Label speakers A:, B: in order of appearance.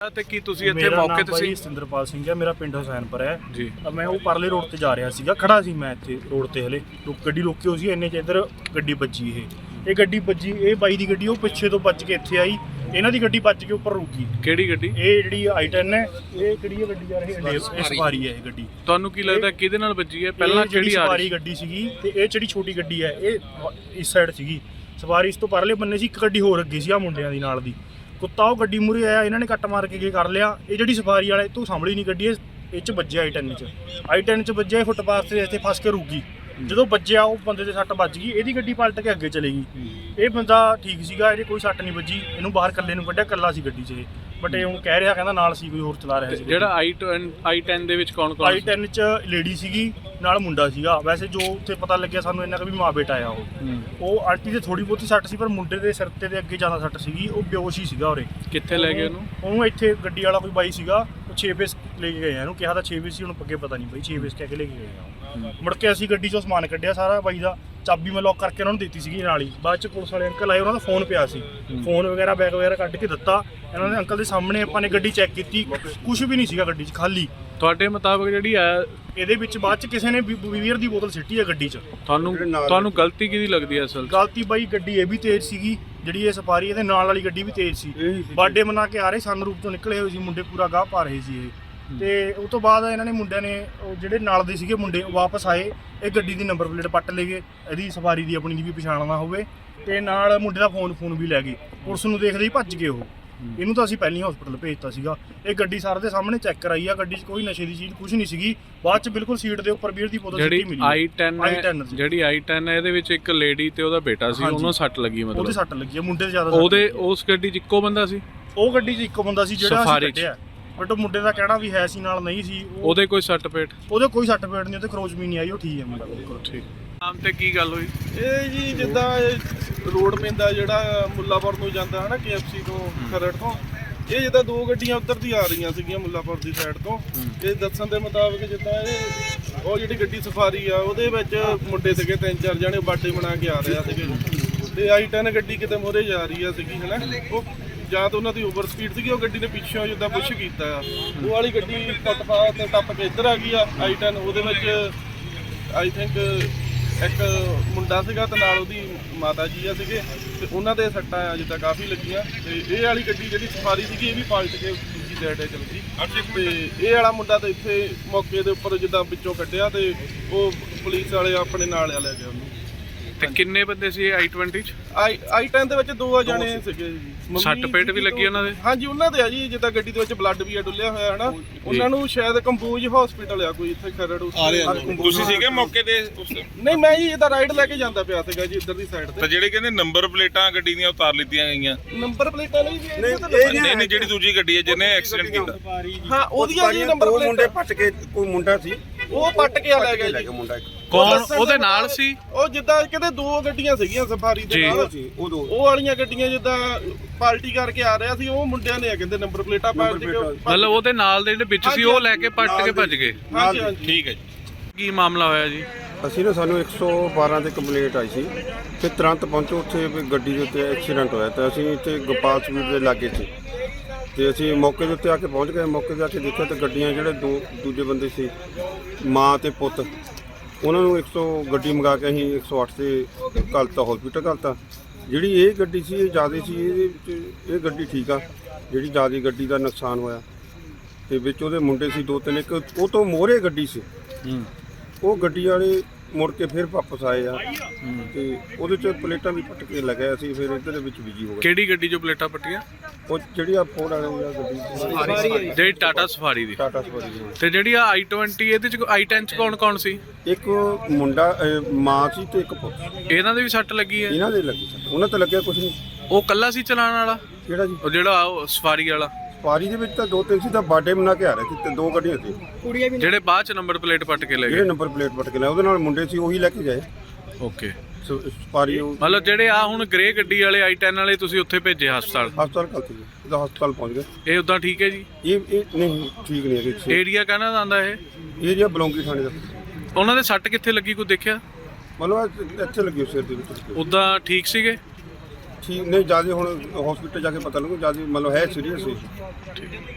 A: ਤੇ ਕੀ ਤੁਸੀਂ ਇੱਥੇ ਮੌਕੇ ਤੇ ਸੀ?
B: ਸਿੰਦਰਪਾਲ ਸਿੰਘ ਹੈ, ਮੇਰਾ ਪਿੰਡ ਹੁਸੈਨਪੁਰ ਹੈ
A: ਜੀ।
B: ਮੈਂ ਉਹ ਪਰਲੇ ਰੋਡ ਤੇ ਜਾ ਰਿਹਾ ਸੀਗਾ, ਖੜਾ ਸੀ ਮੈਂ ਇੱਥੇ ਰੋਡ ਤੇ, ਹਲੇ ਗੱਡੀ ਰੋਕੀ ਹੋਈ ਸੀ, ਇੰਨੇ ਚ ਇੱਧਰ ਗੱਡੀ ਵੱਜੀ। ਇਹ ਗੱਡੀ ਵੱਜੀ, ਇਹ ਬਾਈ ਦੀ ਗੱਡੀ ਉਹ ਪਿੱਛੇ ਤੋਂ ਵੱਜ ਕੇ ਇੱਥੇ ਆਈ, ਇਹਨਾਂ ਦੀ ਗੱਡੀ ਵੱਜ ਕੇ ਉੱਪਰ ਰੁਕੀ।
A: ਕਿਹੜੀ ਗੱਡੀ?
B: ਇਹ ਜਿਹੜੀ i10 ਹੈ। ਇਹ ਕਿਹੜੀ ਹੈ ਗੱਡੀ ਯਾਰ? ਇਹ ਸਵਾਰੀ ਹੈ। ਇਹ ਗੱਡੀ
A: ਤੁਹਾਨੂੰ ਕੀ ਲੱਗਦਾ ਕਿਹਦੇ ਨਾਲ ਵੱਜੀ ਹੈ? ਪਹਿਲਾਂ
B: ਜਿਹੜੀ ਸਵਾਰੀ ਗੱਡੀ ਸੀਗੀ, ਤੇ ਇਹ ਜਿਹੜੀ ਛੋਟੀ ਗੱਡੀ ਹੈ ਇਹ ਇਸ ਸਾਈਡ ਸੀਗੀ, ਸਵਾਰੀ ਇਸ ਤੋਂ ਪਰਲੇ ਬੰਨੇ ਸੀ। ਇੱਕ ਗੱਡੀ ਹੋਰ ਅੱਗੇ ਸੀ ਆ ਮੁੰਡਿਆਂ ਦੀ ਨਾਲ ਦੀ, ਕੁੱਤਾ ਉਹ ਗੱਡੀ ਮੂਹਰੇ ਆਇਆ, ਇਹਨਾਂ ਨੇ ਕੱਟ ਮਾਰ ਕੇ ਕਰ ਲਿਆ। ਇਹ ਜਿਹੜੀ ਸਵਾਰੀ ਵਾਲੇ ਤੂੰ ਸਾਂਭਲੀ ਨਹੀਂ ਗੱਡੀ, ਇਹ ਚ ਵੱਜਿਆ i10 ਚ ਵੱਜਿਆ। ਫੁੱਟਪਾਥ ਤੇ ਇੱਥੇ ਫਸ ਕੇ ਰੁਕ ਗਈ। ਜਦੋਂ ਵੱਜਿਆ ਉਹ ਬੰਦੇ ਦੇ ਸੱਟ ਵੱਜ ਗਈ, ਇਹਦੀ ਗੱਡੀ ਪਲਟ ਕੇ ਅੱਗੇ ਚਲੇ ਗਈ। ਇਹ ਬੰਦਾ ਠੀਕ ਸੀਗਾ, ਇਹਦੇ ਕੋਈ ਸੱਟ ਨਹੀਂ ਵੱਜੀ, ਇਹਨੂੰ ਬਾਹਰ ਇਕੱਲੇ ਨੂੰ ਕੱਢਿਆ, ਇਕੱਲਾ ਸੀ ਗੱਡੀ 'ਚ ਇਹ। ਬਟ ਇਹ ਹੁਣ ਕਹਿ ਰਿਹਾ, ਕਹਿੰਦਾ ਨਾਲ ਸੀ ਕੋਈ ਹੋਰ ਚਲਾ ਰਿਹਾ ਸੀ।
A: ਜਿਹੜਾ i10 ਦੇ ਵਿੱਚ ਕੌਣ
B: i10 ਚ ਲੇਡੀ ਸੀਗੀ, ਨਾਲ ਮੁੰਡਾ ਸੀਗਾ। ਵੈਸੇ ਜੋ ਉੱਥੇ ਪਤਾ ਲੱਗਿਆ ਸਾਨੂੰ ਇੰਨਾ ਕਿ ਵੀ ਮਾਂ ਬੇਟਾ ਆ ਉਹ ਆਂਟੀ ਦੇ ਥੋੜੀ ਬਹੁਤੀ ਸੱਟ ਸੀ, ਪਰ ਮੁੰਡੇ ਦੇ ਸਿਰ ਤੇ ਅੱਗੇ ਜ਼ਿਆਦਾ ਸੱਟ ਸੀਗੀ। ਉਹ ਬੇਹੋਸ਼ ਹੀ ਸੀਗਾ ਉਰੇ।
A: ਕਿੱਥੇ ਲੈ ਗਏ
B: ਉਹਨੂੰ ਇੱਥੇ ਗੱਡੀ ਵਾਲਾ ਕੋਈ ਬਾਈ ਸੀਗਾ, ਉਹ 6 ਫੇਸ ਲੈ ਕੇ ਗਏ ਆ। ਇਹਨੂੰ ਕਿਹਾ ਤਾਂ 6 ਫੇਸ ਸੀ, ਹੁਣ ਅੱਗੇ ਪਤਾ ਨਹੀਂ ਬਾਈ 6 ਫੇਸ ਕਹਿ ਕੇ ਲੈ ਕੇ ਗਏ ਆ। ਮੁੜ ਕੇ ਅਸੀਂ ਗੱਡੀ 'ਚੋਂ ਸਮਾਨ ਕੱਢਿਆ ਸਾਰਾ ਬਾਈ ਦਾ, ਚਾਬੀ ਮੈਂ ਲੌਕ ਕਰਕੇ ਉਹਨਾਂ ਨੂੰ ਦਿੱਤੀ ਸੀਗੀ ਨਾਲ ਹੀ। ਬਾਅਦ 'ਚ ਪੁਲਿਸ ਵਾਲੇ ਅੰਕਲ ਆਏ, ਉਹਨਾਂ ਦਾ ਫੋਨ ਪਿਆ ਸੀ, ਫੋਨ ਵਗੈਰਾ ਬੈਗ ਵਗੈਰਾ ਕੱਢ ਕੇ ਦਿੱਤਾ ਇਹਨਾਂ ਨੇ ਅੰਕਲ ਦੇ ਸਾਹਮਣੇ। ਆਪਾਂ ਨੇ ਗੱਡੀ ਚੈੱਕ ਕੀਤੀ, ਕੁਝ ਵੀ ਨਹੀਂ ਸੀਗਾ ਗੱਡੀ 'ਚ, ਖਾਲੀ।
A: ਤੁਹਾਡੇ ਮੁਤਾਬਕ ਜਿਹੜੀ ਆ
B: ਇਹਦੇ ਵਿੱਚ ਬਾਅਦ 'ਚ ਕਿਸੇ ਨੇ ਬੀਅਰ ਦੀ ਬੋਤਲ ਸਿੱਟੀ ਹੈ ਗੱਡੀ 'ਚ।
A: ਤੁਹਾਨੂੰ ਗਲਤੀ ਕਿਹਦੀ ਲੱਗਦੀ ਹੈ ਅਸਲ?
B: ਗਲਤੀ ਬਾਈ ਗੱਡੀ ਇਹ ਵੀ ਤੇਜ਼ ਸੀਗੀ, ਜਿਹੜੀ ਇਹ ਸਫਾਰੀ ਇਹਦੇ ਨਾਲ ਵਾਲੀ ਗੱਡੀ ਵੀ ਤੇਜ਼ ਸੀ। ਬਰਥਡੇ ਮਨਾ ਕੇ ਆ ਰਹੇ, ਸਨਰੂਫ ਤੋਂ ਨਿਕਲੇ ਹੋਏ ਸੀ ਮੁੰਡੇ, ਪੂਰਾ ਗਾਹ ਪਾ ਰਹੇ ਸੀ ਇਹ। ਤੇ ਉਸ ਤੋਂ ਬਾਅਦ ਇਹਨਾਂ ਨੇ ਮੁੰਡਿਆਂ ਨੇ ਜਿਹੜੇ ਨਾਲ ਦੇ ਸੀਗੇ ਮੁੰਡੇ ਵਾਪਸ ਆਏ, ਇਹ ਗੱਡੀ ਦੀ ਨੰਬਰ ਪਲੇਟ ਪੱਟ ਲੈ ਗਏ, ਇਹਦੀ ਸਵਾਰੀ ਦੀ ਆਪਣੀ ਦੀ ਵੀ ਪਛਾਣ ਨਾ ਹੋਵੇ। ਤੇ ਨਾਲ ਮੁੰਡੇ ਦਾ ਫੋਨ ਵੀ ਲੈ ਗਏ। ਪੁਲਿਸ ਨੂੰ ਦੇਖਦੇ ਹੀ ਭੱਜ ਗਏ ਉਹ। ਇਹਨੂੰ ਤਾਂ ਅਸੀਂ ਪਹਿਲਾਂ ਹਸਪੀਟਲ ਭੇਜਤਾ ਸੀਗਾ। ਇਹ ਗੱਡੀ ਸਾਰਿਆਂ ਦੇ ਸਾਹਮਣੇ ਚੈੱਕ ਕਰਾਈ ਆ, ਗੱਡੀ 'ਚ ਕੋਈ ਨਸ਼ੇ ਦੀ ਚੀਜ਼ ਕੁਝ ਨਹੀਂ ਸੀਗੀ। ਬਾਅਦ 'ਚ ਬਿਲਕੁਲ ਸੀਟ ਦੇ ਉੱਪਰ ਬੀਅਰ ਦੀ ਬੋਤਲ ਸਿੱਟੀ ਮਿਲੀ।
A: ਜਿਹੜੀ i10 ਹੈ, ਇਹਦੇ ਵਿੱਚ ਇੱਕ ਲੇਡੀ ਤੇ ਉਹਦਾ ਬੇਟਾ ਸੀ, ਉਹਨੂੰ ਸੱਟ ਲੱਗੀ। ਮਤਲਬ ਉਹਦੇ
B: ਸੱਟ ਲੱਗੀ, ਮੁੰਡੇ ਤੇ ਜ਼ਿਆਦਾ।
A: ਉਹਦੇ ਉਸ ਗੱਡੀ 'ਚ ਇੱਕੋ ਬੰਦਾ ਸੀ?
B: ਉਹ ਗੱਡੀ 'ਚ ਇੱਕੋ ਬੰਦਾ ਸੀ ਜਿਹੜਾ ਅਸੀਂ ਕੱਢਿਆ, ਬਟ ਉਹ ਮੁੰਡੇ ਦਾ ਕਹਿਣਾ ਵੀ ਹੈ ਸੀ ਨਾਲ ਨਹੀਂ ਸੀ।
A: ਉਹਦੇ ਕੋਈ ਸੱਟ ਪੇਟ?
B: ਉਹਦੇ ਕੋਈ ਸੱਟ ਪੇਟ ਨਹੀਂ, ਉਹਦੇ ਖਰੋਚ ਵੀ ਨਹੀਂ ਆਈ, ਉਹ ਠੀਕ ਹੈ ਮੁੰਡਾ ਬਿਲਕੁਲ ਠੀਕ।
A: ਨਾਮ ਤੇ ਕੀ ਗੱਲ ਹੋਈ?
C: ਇਹ ਜੀ ਜਿੱਦਾਂ ਰੋਡ ਪੈਂਦਾ ਜਿਹੜਾ ਮੁੱਲਾਪੁਰ ਨੂੰ ਜਾਂਦਾ ਹੈ ਨਾ, KFC ਤੋਂ ਖਰੜ ਤੋਂ, ਇਹ ਜਿੱਦਾਂ ਦੋ ਗੱਡੀਆਂ ਉੱਧਰ ਦੀ ਆ ਰਹੀਆਂ ਸੀਗੀਆਂ ਮੁੱਲਾਪੁਰ ਦੀ ਸਾਈਡ ਤੋਂ। ਇਹ ਦੱਸਣ ਦੇ ਮੁਤਾਬਕ ਜਿੱਦਾਂ ਉਹ ਜਿਹੜੀ ਗੱਡੀ ਸਫਾਰੀ ਆ ਉਹਦੇ ਵਿੱਚ ਮੁੰਡੇ ਸੀਗੇ 3-4 ਜਣੇ, ਬਰਥਡੇ ਮਨਾ ਕੇ ਆ ਰਹੇ ਸੀਗੇ। ਤੇ i10 ਗੱਡੀ ਕਿਤੇ ਮੋਰੇ ਜਾ ਰਹੀ ਆ ਸੀਗੀ ਹੈ ਨਾ, ਉਹ ਜਾਂ ਤਾਂ ਉਹਨਾਂ ਦੀ ਓਵਰ ਸਪੀਡ ਸੀਗੀ, ਉਹ ਗੱਡੀ ਨੇ ਪਿੱਛੋਂ ਜਿੱਦਾਂ ਪੁਸ਼ ਕੀਤਾ ਆ, ਉਹ ਵਾਲੀ ਗੱਡੀ ਫੁੱਟਪਾਥ ਤੇ ਟੱਪ ਕੇ ਇੱਧਰ ਆ ਗਈ ਆ i10। ਉਹਦੇ ਵਿੱਚ ਆਈ ਥਿੰਕ ਇੱਕ ਮੁੰਡਾ ਸੀਗਾ ਤੇ ਨਾਲ ਉਹਦੀ ਮਾਤਾ ਜੀ ਆ ਸੀਗੇ, ਤੇ ਉਹਨਾਂ ਦੇ ਸੱਟਾਂ ਆ ਜਿੱਦਾਂ ਕਾਫੀ ਲੱਗੀਆਂ। ਤੇ ਇਹ ਵਾਲੀ ਗੱਡੀ ਜਿਹੜੀ ਸਫਾਰੀ ਸੀਗੀ ਇਹ ਵੀ ਪਲਟ ਕੇ ਦੂਜੀ ਸਾਈਡ ਚਲ ਗਈ। ਤੇ ਇਹ ਵਾਲਾ ਮੁੰਡਾ ਤਾਂ ਇੱਥੇ ਮੌਕੇ ਦੇ ਉੱਪਰ ਜਿੱਦਾਂ ਵਿੱਚੋਂ ਕੱਢਿਆ, ਤੇ ਉਹ ਪੁਲਿਸ ਵਾਲੇ ਆਪਣੇ ਨਾਲ ਲੈ ਗਏ ਉਹਨੂੰ।
A: ਤੇ ਕਿੰਨੇ ਬੰਦੇ ਸੀ i20 ਚ?
C: i10 ਦੇ ਵਿੱਚ 2 ਜਣੇ ਸੀਗੇ ਜੀ।
A: ਸੱਟ ਪੇਟ ਵੀ ਲੱਗੀ ਉਹਨਾਂ ਦੇ?
C: ਹਾਂਜੀ, ਉਹਨਾਂ ਦੇ ਆ ਜੀ, ਜਿੱਦਾਂ ਗੱਡੀ ਦੇ ਵਿੱਚ ਬਲੱਡ ਵੀ ਆ ਡੁੱਲਿਆ ਹੋਇਆ ਹੈ ਨਾ। ਉਹਨਾਂ ਨੂੰ ਸ਼ਾਇਦ ਕੰਪੋਜ਼ ਹਸਪੀਟਲ ਆ ਕੋਈ ਇੱਥੇ ਖਰੜ।
D: ਤੁਸੀਂ ਸੀਗੇ ਮੌਕੇ ਤੇ?
C: ਨਹੀਂ, ਮੈਂ ਜੀ ਇਹਦਾ ਰਾਈਡ ਲੈ ਕੇ ਜਾਂਦਾ ਪਿਆ ਸੀਗਾ ਜੀ ਇੱਧਰ ਦੀ ਸਾਈਡ ਤੇ।
D: ਤਾਂ ਜਿਹੜੇ ਕਹਿੰਦੇ ਨੰਬਰ ਪਲੇਟਾਂ ਗੱਡੀ ਦੀਆਂ ਉਤਾਰ ਲਿੱਤੀਆਂ ਗਈਆਂ?
C: ਨੰਬਰ ਪਲੇਟਾਂ ਨਹੀਂ ਜੀ,
D: ਨਹੀਂ ਜਿਹੜੀ ਦੂਜੀ ਗੱਡੀ ਹੈ ਜਿਹਨੇ ਐਕਸੀਡੈਂਟ ਕੀਤਾ,
C: ਹਾਂ ਉਹਦੀਆਂ ਜੀ ਨੰਬਰ ਪਲੇਟਾਂ।
E: ਮੁੰਡੇ ਪੱਟ ਕੇ, ਕੋਈ ਮੁੰਡਾ ਸੀ
C: ਉਹ ਪੱਟ ਕੇ ਲੈ ਗਿਆ ਜੀ
E: ਮੁੰਡਾ।
A: ਕੌਣ ਉਹਦੇ ਨਾਲ ਸੀ?
C: ਉਹ ਜਿੱਦਾਂ ਕਿਤੇ 2 ਗੱਡੀਆਂ ਸੀਗੀਆਂ ਸਫਾਰੀ ਦੇ ਨਾਲ, ਉਹ ਵਾਲੀਆਂ ਗੱਡੀਆਂ ਜਿੱਦਾਂ ਪਾਰਟੀ ਕਰਕੇ ਆ ਰਿਹਾ ਸੀ, ਉਹ ਮੁੰਡਿਆਂ ਨੇ ਕਹਿੰਦੇ ਨੰਬਰ ਪਲੇਟਾਂ ਪਾੜ ਕੇ।
A: ਮਤਲਬ ਉਹਦੇ ਨਾਲ ਦੇ ਜਿਹੜੇ ਵਿੱਚ ਸੀ ਉਹ ਲੈ ਕੇ ਪੱਟ ਕੇ ਭੱਜ ਗਏ?
C: ਹਾਂਜੀ ਹਾਂਜੀ,
D: ਠੀਕ ਹੈ ਜੀ।
A: ਕੀ ਮਾਮਲਾ ਹੋਇਆ ਜੀ?
E: ਅਸੀਂ ਨਾ, ਸਾਨੂੰ 112 ਤੇ ਕੰਪਲੇਂਟ ਆਈ ਸੀ ਤੇ ਤੁਰੰਤ ਪਹੁੰਚੋ ਉੱਥੇ ਵੀ ਗੱਡੀ ਦੇ ਉੱਤੇ ਐਕਸੀਡੈਂਟ ਹੋਇਆ। ਤੇ ਅਸੀਂ ਇੱਥੇ ਗੋਪਾਲ ਸਵੀਟ ਦੇ ਲਾਗੇ ਸੀ, ਤੇ ਅਸੀਂ ਮੌਕੇ ਦੇ ਉੱਤੇ ਆ ਕੇ ਪਹੁੰਚ ਗਏ। ਮੌਕੇ 'ਤੇ ਆ ਕੇ ਦੇਖਿਆ ਤੇ ਗੱਡੀਆਂ ਜਿਹੜੇ ਦੂਜੇ ਬੰਦੇ ਸੀ, ਮਾਂ ਤੇ ਪੁੱਤ, ਉਹਨਾਂ ਨੂੰ ਗੱਡੀ ਮੰਗਾ ਕੇ ਅਸੀਂ 108 ਤੇ ਘਲਤਾ, ਹਸਪੀਟਲ ਘਲਤਾ। ਜਿਹੜੀ ਇਹ ਗੱਡੀ ਸੀ ਇਹ ਜ਼ਿਆਦਾ ਸੀ, ਇਹਦੇ ਵਿੱਚ ਇਹ ਗੱਡੀ ਠੀਕ ਆ। ਜਿਹੜੀ ਜ਼ਿਆਦਾ ਗੱਡੀ ਦਾ ਨੁਕਸਾਨ ਹੋਇਆ ਤੇ ਵਿੱਚ ਉਹਦੇ ਮੁੰਡੇ ਸੀ 2-3, ਇੱਕ ਉਹ ਤੋਂ ਮੋਹਰੇ ਗੱਡੀ ਸੀ, ਉਹ ਗੱਡੀ ਵਾਲੇ ਮੁੜ ਕੇ ਫਿਰ ਵਾਪਸ ਆਏ ਆ, ਤੇ ਉਹਦੇ 'ਚ ਪਲੇਟਾਂ ਵੀ ਪੱਟ ਕੇ ਲਗਾਇਆ ਸੀ। ਫਿਰ ਇੱਧਰ ਦੇ ਵਿੱਚ ਬਿਜੀ ਹੋ ਗਿਆ।
A: ਕਿਹੜੀ ਗੱਡੀ 'ਚੋਂ ਪਲੇਟਾਂ ਪੱਟੀਆਂ?
E: ਉਹ ਜਿਹੜੀ ਆ ਫੋਰਡ ਵਾਲੀ ਆ ਗੱਡੀ,
A: ਜਿਹੜੀ ਟਾਟਾ ਸਫਾਰੀ ਦੀ?
E: ਟਾਟਾ ਸਫਾਰੀ ਦੀ।
A: ਤੇ ਜਿਹੜੀ ਆ i20 ਇਹਦੇ 'ਚ i10 'ਚ ਕੌਣ ਸੀ?
E: ਇੱਕ ਮੁੰਡਾ, ਮਾਂ ਸੀ ਤੇ ਇੱਕ ਪੁੱਤ।
A: ਇਹਨਾਂ ਦੇ ਵੀ ਸੱਟ ਲੱਗੀ ਹੈ?
E: ਇਹਨਾਂ ਦੇ ਲੱਗੀ, ਉਹਨਾਂ ਤੇ ਲੱਗਿਆ ਕੁਝ ਨਹੀਂ।
A: ਉਹ ਕੱਲਾ ਸੀ ਚਲਾਉਣ ਵਾਲਾ?
E: ਕਿਹੜਾ ਜੀ?
A: ਉਹ ਜਿਹੜਾ ਸਫਾਰੀ ਵਾਲਾ?
E: ਸਫਾਰੀ ਦੇ ਵਿੱਚ ਤਾਂ 2-3 ਸੀ, ਤਾਂ ਬਰਥਡੇ ਮਨਾ ਕੇ ਆ ਰਹੇ ਸੀ, ਤੇ 2 ਗੱਡੀਆਂ ਸੀ
A: ਜਿਹੜੇ ਬਾਅਦ 'ਚ ਨੰਬਰ ਪਲੇਟ ਪੱਟ ਕੇ ਲੈ ਗਏ?
E: ਜਿਹੜੇ ਨੰਬਰ ਪਲੇਟ ਪੱਟ ਕੇ ਲੈ, ਉਹਦੇ ਨਾਲ ਮੁੰਡੇ ਸੀ, ਉਹੀ ਲੈ ਕੇ ਗਏ।
A: ਓਕੇ।
E: ਸਫਾਰੀ
A: ਮਤਲਬ ਜਿਹੜੇ ਆ ਹੁਣ ਗ੍ਰੇ ਗੱਡੀ ਵਾਲੇ i10 ਵਾਲੇ ਤੁਸੀਂ ਉੱਥੇ ਭੇਜੇ ਹਸਪਤਾਲ?
E: ਕੱਲ੍ਹ ਸੀ, ਇਹਦਾ ਹਸਪਤਾਲ ਪਹੁੰਚ ਗਏ।
A: ਇਹ ਉਦਾਂ ਠੀਕ ਹੈ ਜੀ?
E: ਇਹ ਨਹੀਂ ਠੀਕ ਨਹੀਂ ਹੈਗੇ।
A: ਏਰੀਆ ਕਹਿਣਾ ਆਉਂਦਾ ਇਹ
E: ਏਰੀਆ ਬਲੌਂਗੀ ਥਾਣੇ ਦਾ।
A: ਉਹਨਾਂ ਦੇ ਸੱਟ ਕਿੱਥੇ ਲੱਗੀ, ਕੋਈ ਦੇਖਿਆ?
E: ਮਤਲਬ ਇੱਥੇ ਲੱਗੀ ਸਿਰ ਦੇ ਵਿੱਚ।
A: ਉਦਾਂ ਠੀਕ ਸੀਗੇ?
E: ਠੀਕ ਨਹੀਂ, ਜਿਆਦਾ ਹੁਣ ਹਸਪੀਟਲ ਜਾ ਕੇ ਪਤਾ ਲੱਗੂ, ਜਿਆਦਾ ਮਤਲਬ ਹੈ ਸੀਰੀਅਸ ਸੀ।